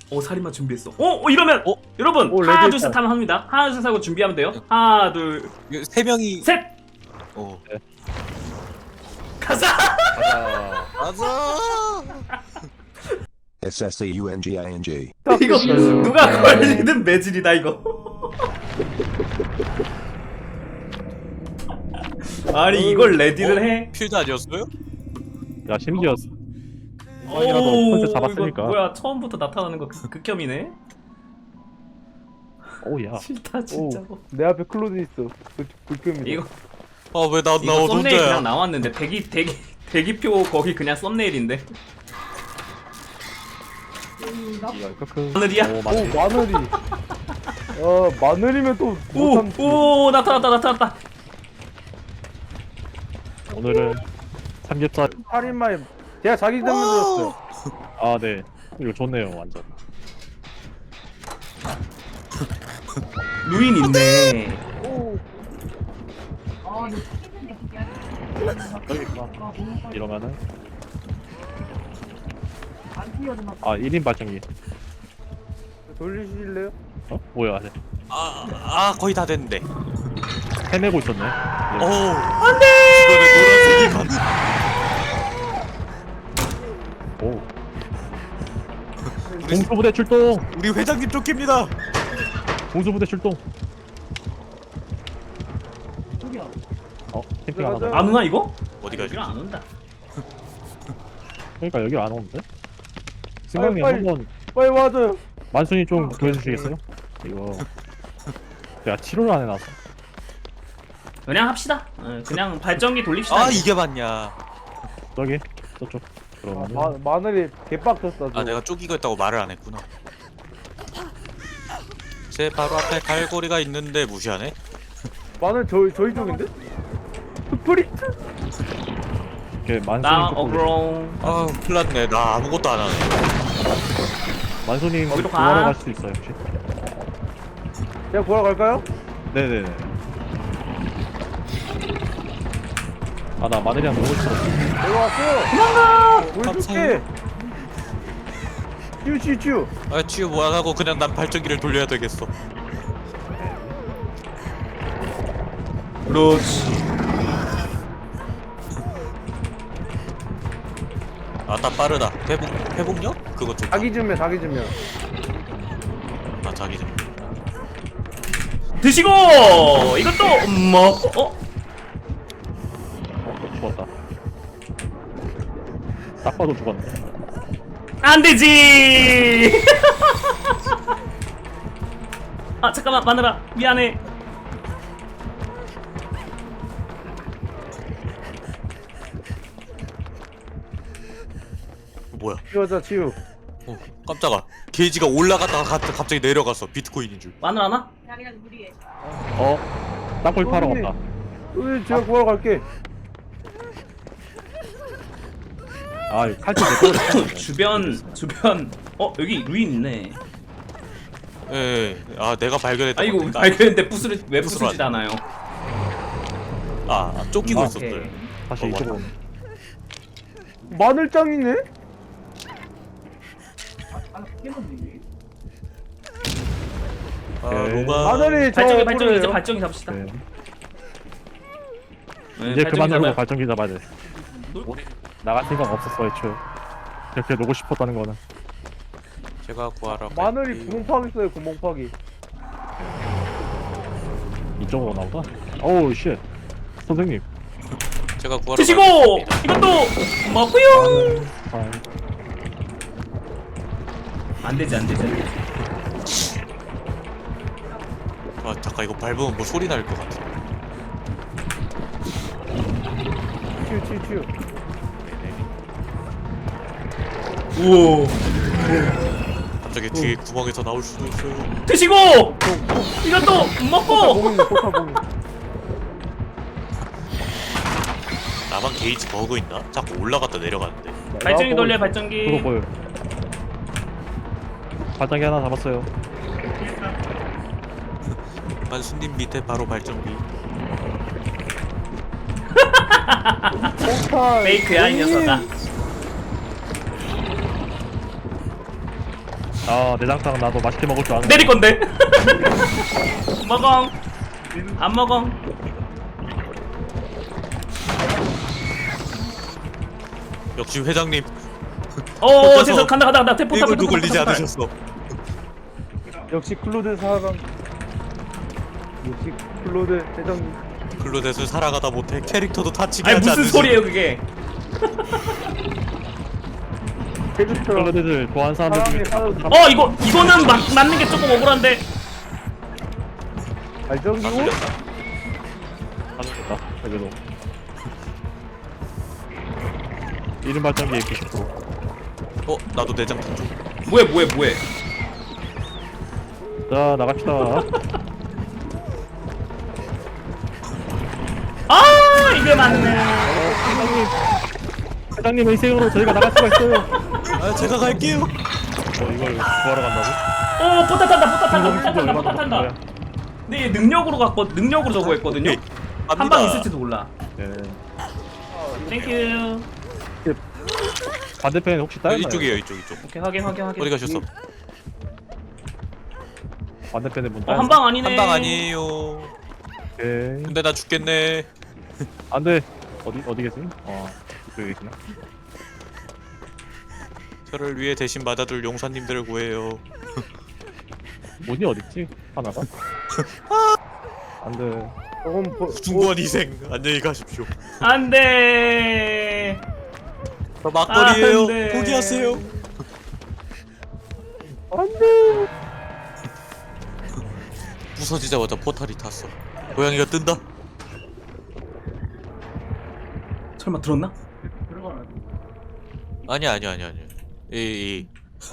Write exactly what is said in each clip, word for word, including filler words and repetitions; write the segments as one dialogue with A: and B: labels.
A: 어 살인마 준비했어. 어, 어 이러면
B: 어?
A: 여러분
C: 오,
A: 하나
C: 레디
A: 둘 셋
C: 있다.
A: 하면 합니다. 하나 둘 셋 하고 준비하면 돼요. 하나 둘
B: 이거 세 명이.
A: 셋.
B: 어.
A: 가자.
C: 가자.
B: 맞아.
D: S S C U N G I N G.
A: 이거
C: 음.
A: 누가 걸리든 매질이다 이거. 아니 이걸 레디를 해?
B: 필드 아니었어요?
E: 야 심지어 이라도 컨셉 잡았으니까.
A: 이거 뭐야 처음부터 나타나는 거 극- 극혐이네.
E: 오야
A: 싫다 진짜로.
C: 오, 내 앞에 클로드 있어. 그 불금이다.
A: 이거
B: 아 왜 나
A: 이거
B: 나
A: 썸네일 그냥
B: 혼자야?
A: 나왔는데 대기 대기 대기표 거기 그냥 썸네일인데.
E: 크크.
A: 하늘이야?
E: 오
C: 오
E: 맞네.
C: 마늘이. 어 마늘이면 또 못함.
A: 오, 오 나타났다 나타났다.
E: 오늘은 삼겹살.
C: 살인마에 제가 자기 때문에 들었어요.
E: 아네 이거 좋네요 완전.
A: 루인 있네.
C: 오.
E: 여기 있구나. 이러면은 아 일 인 발전기.
C: 돌리실래요?
E: 어? 뭐야 네.
B: 아, 아 거의 다 됐는데.
E: 헤매고 있었네.
B: 오. 안돼. 이거는 노란색이 맞.
E: 오. 공수부대 출동.
B: 우리 회장님 쫓깁니다.
E: 공수부대 출동. 어 캠핑 안
C: 들어가자.
E: 하네.
A: 안 오나 이거?
B: 어디 가지?
A: 여기는 안 온다.
E: 그러니까 여기 안 오는데? 승강님
C: 빨리,
E: 한번
C: 빨리 와줘요.
E: 만순이 좀 구해주시겠어요? 이거 야 치료를 안 해놨어.
A: 그냥 합시다. 어, 그냥 발전기 돌립시다.
B: 아 이게 맞냐?
E: 저기 저쪽.
C: 아,
E: 그러면은
C: 마, 마늘이 개빡쳤다.
B: 아 내가 쪼기고 있다고 말을 안 했구나. 제 바로 앞에 갈고리가 있는데 무시하네?
C: 마늘 저 저희 쪽인데? 스프리트?
E: 이렇게 만순이
A: 나
E: 쪽으로
A: 어그롱.
B: 아 큰일났네. 나 아무것도 안 하네.
E: 만순이
A: 거기로 가.
E: 구하러 갈 수 있어요 혹시?
C: 제가 구하러 갈까요?
E: 네네네. 아 나 마늘이랑 너무 싫어.
C: 내가 왔어.
A: 도망가.
C: 보여줄게. 쭈쭈쭈.
B: 아 치유 뭐 하고 그냥 난 발전기를 돌려야 되겠어.
A: 그렇지.
B: 아나 빠르다. 회복 회복력? 그거 좀.
C: 자기 좀해 자기 좀해.
B: 아 자기 좀.
A: 드시고 이것도 먹고. 어?
E: 어, 죽었다. 딱 봐도 죽었네.
A: 안 되지. 아 잠깐만 마늘아 미안해.
B: 뭐야?
C: 치우자 치우.
B: 어 깜짝아. 게이지가 올라갔다가 가- 갑자기 내려갔어. 비트코인인 줄.
A: 마늘 하나?
E: 어? 땅굴 파러
C: 형님.
E: 간다.
C: 우리 제가 구하러 갈게.
E: 아 이거 칼집 내꺼.
A: 주변 주변. 어 여기 루인 있네.
B: 예. 예. 아 내가 발견했다.
A: 아 이거 발견했는데 부스를 왜
B: 부스로
A: 부수지 않아요?
B: 아 쫓기고
E: 아,
B: 있었어요.
A: 오케이.
E: 다시
B: 어,
E: 이쪽으로.
B: 맞다.
C: 마늘짱이네?
B: 아
E: 오케이.
B: 로가.
C: 마늘이 저
A: 발전기 발전기 이제
C: 뭐래요?
A: 발전기 잡시다.
E: 네.
A: 네,
E: 이제
A: 발전기
E: 그만 누르고
A: 잡아요.
E: 발전기 잡아야 돼. 나갈 생각 없었어 애초에. 이렇게 놓고 싶었다는 거는.
B: 제가 구하러.
C: 마늘이
B: 갈게요.
C: 구멍 파기 있어요 구멍 파기.
E: 이쪽으로 나오다. 어우 쉣. 선생님.
B: 제가 구하러.
A: 드시고
B: 가겠습니다.
A: 이것도 먹고요.
E: 아,
A: 안 되지 안 되지 안 되지.
B: 아 잠깐 이거 밟으면 뭐 소리 날 것 같아.
C: 치우 치우 치우.
A: 오
B: 갑자기 뒤에 구멍에서 나올 수도 있어요.
A: 드시고 이것도
C: 포탑
A: 먹고.
C: 봉인데 포탑 봉인.
B: 나만 게이지 버그 있나? 자꾸 올라갔다 내려가는데.
A: 발전기 돌려
E: 그거
A: 발전기.
E: 보여. 발전기 하나 잡았어요.
B: 만수님 밑에 바로 발전기.
C: 포탑.
A: 페이크야 이 녀석아.
E: 아 내장탕 나도 맛있게 먹을 줄 아는.
A: 내릴 건데. 먹엉. 안 먹엉.
B: 역시 회장님
A: 어,
B: 혼자서
A: 죄송 간다 간다 간다. 태포 타고
B: 이걸 걸리지 않으셨어.
C: 역시 클로드 사강. 역시 클로드 대장님.
B: 클로댓을 살아가다 못해 캐릭터도 다치게
A: 아니
B: 하지
A: 무슨
B: 않으시.
A: 소리예요 그게?
C: 캐릭터
E: 클로데들 좋아하는 사람들 중에
C: 사람이 사람
A: 어 이거 이거는 맞, 맞는 게 조금 억울한데.
C: 발전기 옷?
E: 하는구나. 그래도 이름 발전기 구십 퍼센트.
B: 어 나도 내장탕 좀.
A: 뭐해 뭐해 뭐해.
E: 자 나갑시다.
A: 아 이게 맞네.
E: 회장님, 회장님의 희생으로 저희가 나갈 수가 있어요.
B: 아 제가 갈게요.
E: 어 이걸 구하러 간다고?
A: 어 포타 탄다 포타 탄다 포타 탄다
E: 이거
A: 포타
E: 얼마나
A: 탄다. 근데 얘 능력으로 갖고 능력으로 저거 했거든요.
B: 오케이,
A: 한
B: 갑니다.
A: 방 있을지도 몰라.
E: 네.
A: 땡큐.
E: 반대편에 혹시
B: 어,
E: 따였나요?
B: 이쪽이에요 이쪽 이쪽.
A: 오케이 확인 확인 확인.
B: 어디 가셨어?
E: 반대편에 문
A: 어,
E: 따였어.
A: 한 방 아니네.
B: 한 방 아니에요.
E: 오케이.
B: 근데 나 죽겠네.
E: 안돼. 어디 어디 계세요? 어 이쪽에 계시나?
B: 저를 위해 대신 맞아줄 용사님들을 구해요.
E: 문이 어딨지? 하나가? 안돼.
C: 조금 보,
B: 숭고한 희생 안녕히 가십시오.
A: 안돼.
B: 저 막걸리에요.
A: 안 돼.
B: 포기하세요.
C: 안돼.
B: 부서지자마자 포탈이 탔어. 고양이가 뜬다.
A: 설마 들었나?
B: 아니야 아니야 아니야 아니야. 이, 이.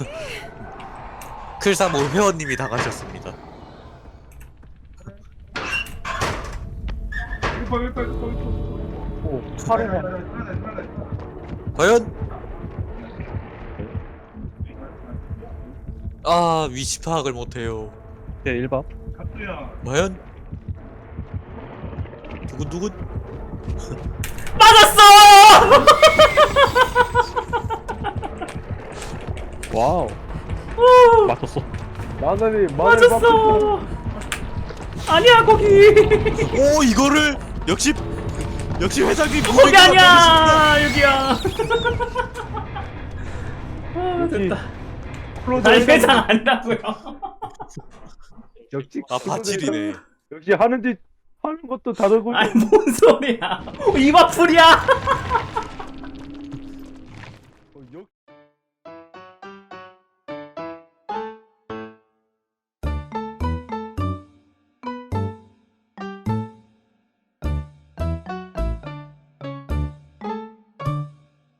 B: 클사모 회원님이 당하셨습니다.
C: 오 팔에
B: 과연? 아 위치 파악을 못해요.
E: 네 일 박.
B: 과연? 두근두근?
A: 맞았어.
E: 와우. 맞췄어.
C: 마늘이 마늘 막
A: 맞았어. 아니야 거기.
B: 오 이거를 역시 역시 회장님
A: 거기 아니야 여기야. 아,
C: 역시
A: 됐다.
C: 클로드
A: 날
C: 대장님.
A: 회장 아니라고요.
C: 역시
B: 아
C: 클로드
B: 바칠이네.
C: 대장님. 역시 하는 짓 하는 것도 다르고
A: 아니 뭔 소리야. 입 아플이야.